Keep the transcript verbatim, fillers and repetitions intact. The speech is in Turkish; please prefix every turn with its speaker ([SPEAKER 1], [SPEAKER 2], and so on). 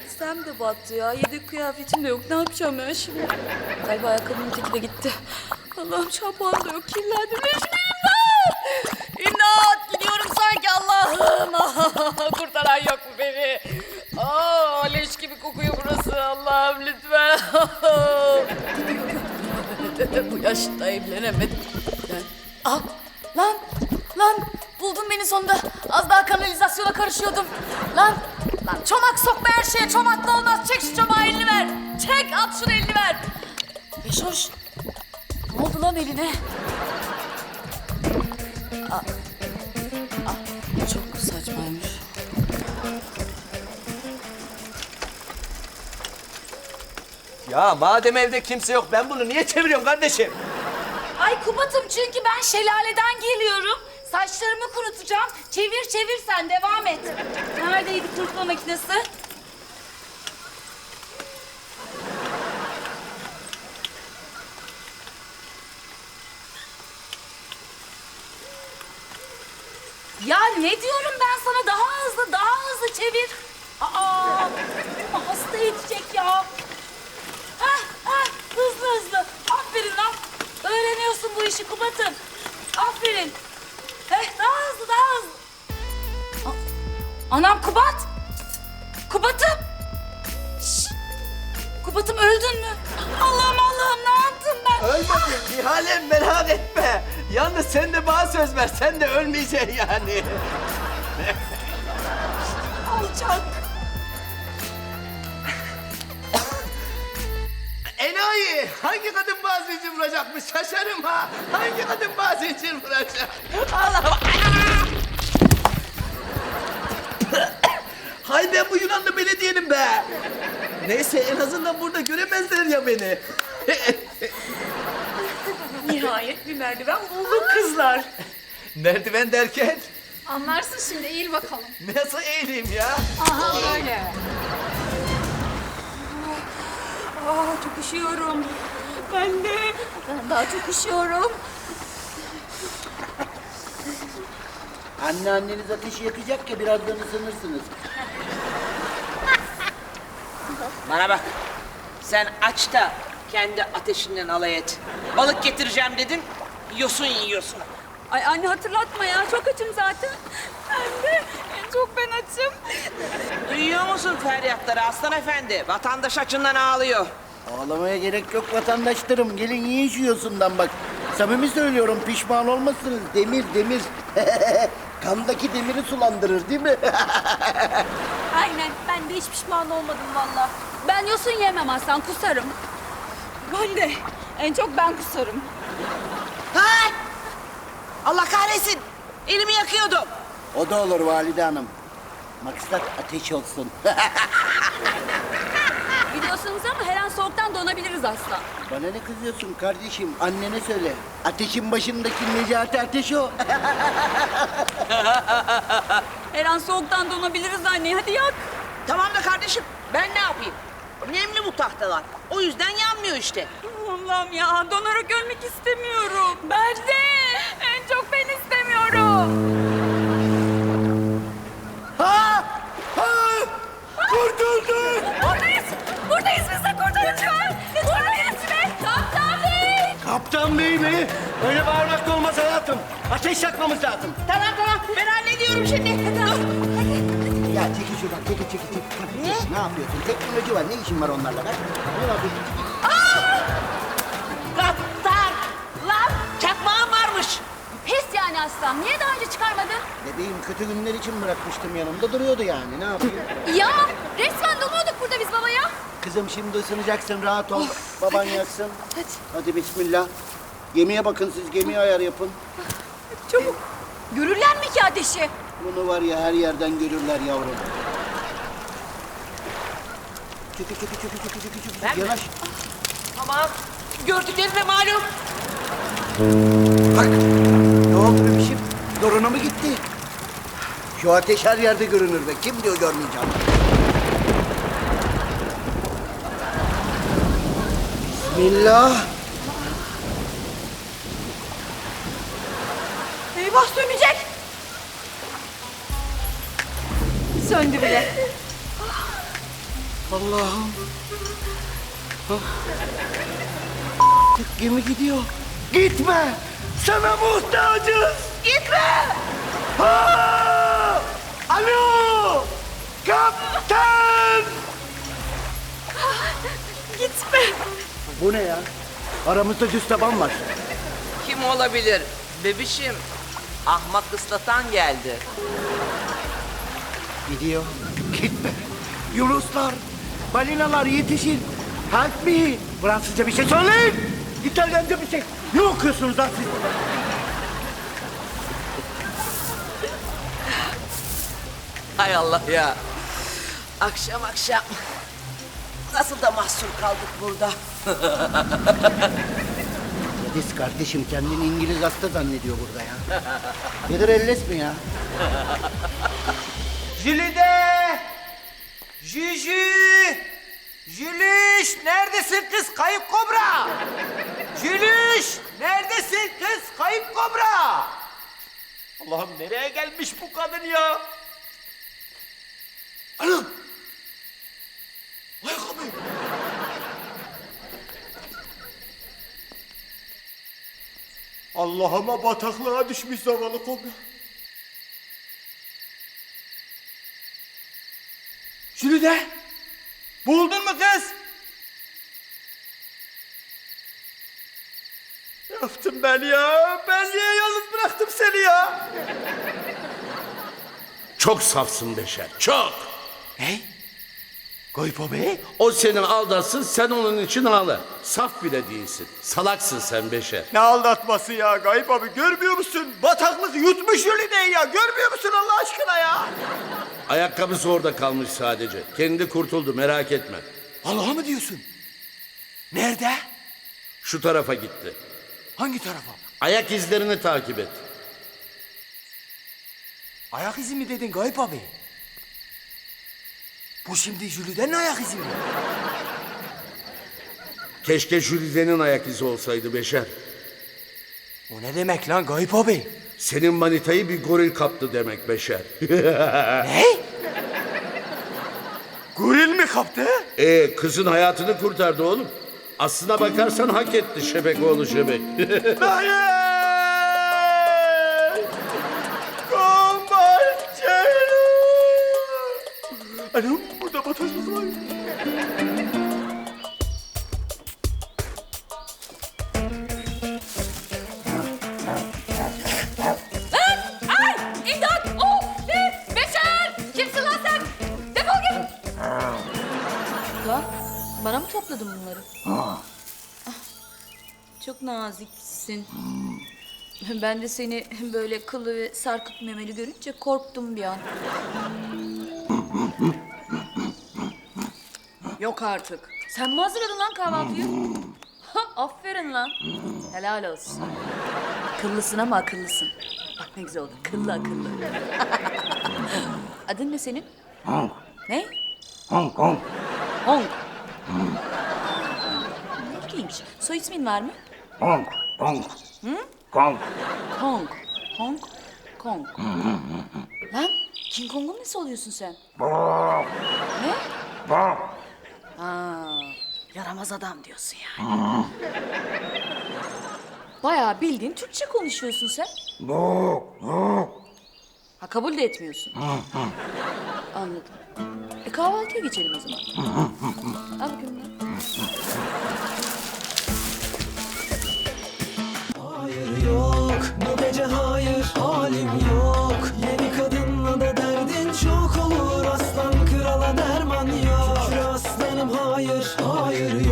[SPEAKER 1] Elbisem de battı ya. Yedek kıyafetim de yok. Ne yapacağım ben şimdi? Galiba ayakkabımın teki de gitti. Allah'ım şampuan da yok. Kirlendim. Necmiyim ben? İmdat! Gidiyorum sanki Allah'ım. Kurtaran yok mu beni? Aa, leş gibi kokuyor burası. Allah'ım lütfen. Bu yaşta evlenemedim. Ben... Ah, lan, lan. Buldun beni sonunda. Az daha kanalizasyona karışıyordum. Lan, lan çomak sokma her şeye. Çomakla olmaz. Çek şu çomağı, elini ver. Çek, at şunu, elini ver. Beşoş, ne oldu lan eline? Aa, aa, çok saçmaymış.
[SPEAKER 2] Ya madem evde kimse yok, ben bunu niye çeviriyorum kardeşim?
[SPEAKER 1] Ay Kubat'ım, çünkü ben şelaleden geliyorum. Saçlarımı kurutacağım. Çevir çevir, sen devam et. Neredeydi kurutma makinesi? Ya ne diyorum ben sana, daha hızlı daha hızlı çevir. Aa, hasta edecek ya. Hah hah, hızlı hızlı. Aferin lan. Öğreniyorsun bu işi Kubat'ım. Aferin. Heh, daha hızlı daha hızlı. A- Anam Kubat. Kubat'ım. Şşş. Kubat'ım, öldün mü? Allah'ım Allah'ım, ne yaptım ben?
[SPEAKER 2] Ölmedim Nihal'im, merak etme. Yalnız sen de bana söz ver, sen de ölmeyeceksin yani.
[SPEAKER 1] Alçak.
[SPEAKER 2] Enayi, hangi kadın bana zincir vuracakmış şaşarım ha. Hangi kadın bana zincir vuracak? Allah. Hay ben bu Yunanlı belediyenim be. Neyse, en azından burada göremezler ya beni.
[SPEAKER 1] Nihayet bir merdiven bulduk kızlar.
[SPEAKER 2] Merdiven derken
[SPEAKER 3] Anlarsın şimdi, eğil bakalım.
[SPEAKER 2] nasıl eğileyim ya?
[SPEAKER 3] Aha böyle.
[SPEAKER 1] Aa, çok üşüyorum. Ben de. Ben daha çok üşüyorum.
[SPEAKER 4] Anneanneniz ateşi yakacak ya, birazdan ısınırsınız.
[SPEAKER 5] Bana bak. Sen aç da kendi ateşinden alay et. Balık getireceğim dedin, yosun yiyorsun.
[SPEAKER 1] Ay anne, hatırlatma ya. Çok açım zaten. Ben de. En çok ben açım.
[SPEAKER 5] Duyuyor musun feryatları aslan efendi? Vatandaş açından ağlıyor.
[SPEAKER 4] Ağlamaya gerek yok vatandaşlarım. Gelin yiyin şu yosundan bak. Samimi söylüyorum, pişman olmazsınız. Demir, demir. Kandaki demiri sulandırır değil mi?
[SPEAKER 1] Aynen. Ben de hiç pişman olmadım valla. Ben yosun yemem aslan. Kusarım. Ben de. En çok ben kusarım.
[SPEAKER 5] Ha! Allah kahretsin. Elimi yakıyordum.
[SPEAKER 4] O da olur valide hanım. Maksat ateş olsun.
[SPEAKER 1] Biliyorsunuz ama her an soğuktan donabiliriz aslan.
[SPEAKER 4] Bana ne kızıyorsun kardeşim? Annene söyle. Ateşin başındaki Necati Ateş o.
[SPEAKER 1] Her an soğuktan donabiliriz anne. Hadi yak.
[SPEAKER 5] Tamam da kardeşim, ben ne yapayım? Nemli bu tahtalar. O yüzden yanmıyor işte.
[SPEAKER 1] Allah'ım ya, donarak ölmek istemiyorum. Ben de. En çok ben istemiyorum.
[SPEAKER 4] Ha! Ha! Kurtulduk!
[SPEAKER 1] Buradayız. Buradayız, biz de kurtarıcı var. Buradayız be. Kaptan Bey.
[SPEAKER 6] Kaptan bey mi? Öyle bağırmak da olmaz hayatım. Ateş yakmamız lazım.
[SPEAKER 5] Tamam tamam, ben hallediyorum şimdi. Dur.
[SPEAKER 4] Ya çekil şuradan, çekil, çekil, çekil. Ne? Ne yapıyorsun? Teknoloji var, ne işin var onlarla lan? Ne yapıyorsun?
[SPEAKER 5] Kaptan! Lan çakmağım varmış.
[SPEAKER 1] Pes yani aslan. Niye daha önce çıkarmadın?
[SPEAKER 4] Bebeğim kötü günler için bırakmıştım, yanımda duruyordu yani. Ne yapayım?
[SPEAKER 1] Ya resmen donuyorduk burada biz babaya.
[SPEAKER 4] Kızım şimdi ısınacaksın, rahat ol. Baban yaksın. Hadi. Hadi bismillah. Gemiye bakın siz, gemiye ayar yapın.
[SPEAKER 1] Çabuk. Görürler mi ki ateşi?
[SPEAKER 4] Bunu var ya, her yerden görürler yavrum. Çekil, çekil, çekil, çekil, çekil, çekil.
[SPEAKER 5] Ben mi?
[SPEAKER 4] Yanaş.
[SPEAKER 5] Tamam. Gördüklerine malum.
[SPEAKER 4] Bak. Ne oldu bebişim? Zoruna mı gitti? Şu ateş her yerde görünür be. Kim diyor görmeyeceğim? Bismillah.
[SPEAKER 1] Eyvah, sönecek. Söndü bile.
[SPEAKER 4] Allah'ım. Ah. Gemi gidiyor. Gitme. Sana muhtacız. Gitme. Ha! Alo. Kaptan.
[SPEAKER 3] Gitme.
[SPEAKER 4] Bu ne ya? Aramızda düz taban var.
[SPEAKER 5] Kim olabilir? Bebişim, ahmak ıslatan geldi.
[SPEAKER 4] Gidiyor. Gitme. Yunuslar, balinalar yetişin. Help me. Fransızca bir şey söyleyin. İtalyanca bir şey. Ne okuyorsunuz lan siz?
[SPEAKER 5] Hay Allah ya. Akşam akşam. Nasıl da mahsur kaldık burada.
[SPEAKER 4] Yediz kardeşim kendini İngiliz hasta zannediyor burada ya. Nedir elles mi ya?
[SPEAKER 2] Jülide! Jüjü! Jülüş! Neredesin kız kayıp kobra? Jülüş! Neredesin kız kayıp kobra? Allah'ım nereye gelmiş bu kadın ya? Anam! Ayakkabı! Allah'ıma bataklığa düşmüş zavallı kobra. Jülide! Buldun mu kız? Ne yaptım ben ya? Ben niye yalnız bıraktım seni ya?
[SPEAKER 7] Çok safsın Beşer, çok.
[SPEAKER 2] Ne? Gayip Bey?
[SPEAKER 7] O seni aldatsın, sen onun için ağla. Saf bile değilsin. Salaksın sen Beşer.
[SPEAKER 2] Ne aldatması ya Gayip abi, görmüyor musun? Bataklık yutmuş Jülide'yi ya, görmüyor musun Allah aşkına ya?
[SPEAKER 7] Ayakkabısı orada kalmış sadece. Kendi kurtuldu, merak etme.
[SPEAKER 2] Allah'a mı diyorsun? Nerede?
[SPEAKER 7] Şu tarafa gitti.
[SPEAKER 2] Hangi tarafa?
[SPEAKER 7] Ayak izlerini takip et.
[SPEAKER 2] Ayak izi mi dedin Gayip abi? Bu şimdi Jülide'nin ayak izi mi?
[SPEAKER 7] Keşke Jülide'nin ayak izi olsaydı Beşer.
[SPEAKER 2] O ne demek lan Gayip abi?
[SPEAKER 7] Senin manitayı bir goril kaptı demek Beşer.
[SPEAKER 2] Ne? Goril mi kaptı?
[SPEAKER 7] Ee, kızın hayatını kurtardı oğlum. Aslına bakarsan hak etti şebek oğlu şebek.
[SPEAKER 2] Hayır! Kombarçelo! Anam burada bataklık var.
[SPEAKER 1] Ay! İmdat! Oh! Ne? Beşer! Kimsin lan sen? Defol git! Lan bana mı topladın bunları? Ah, çok naziksin. Ben de seni böyle kıllı ve sarkık memeli görünce korktum bir an. Yok artık. Sen mi hazırladın lan kahvaltıyı? Ha, aferin lan. Helal olsun. Kıllısın ama akıllısın. Bak ne güzel oldu. Kıllı akıllı. Adın ne senin?
[SPEAKER 4] Hong,
[SPEAKER 1] Ne?
[SPEAKER 4] Hong Kong.
[SPEAKER 1] Hong. Ne ilginç. Soy ismin var mı?
[SPEAKER 4] Hong, Hong. Kong.
[SPEAKER 1] Kong. Hong Kong. Lan King Kong'un nesi oluyorsun sen? Ne? Ha, yaramaz adam diyorsun yani. Bayağı bildiğin Türkçe konuşuyorsun sen. Ha, kabul de etmiyorsun. Anladım. E kahvaltıya geçelim o zaman. Al bakayım lan.
[SPEAKER 8] Hayır yok bu gece hayır halim yok. Yeni kadınla da derdin çok olur. Aslan krala derman yok. Şükür aslanım hayır hayır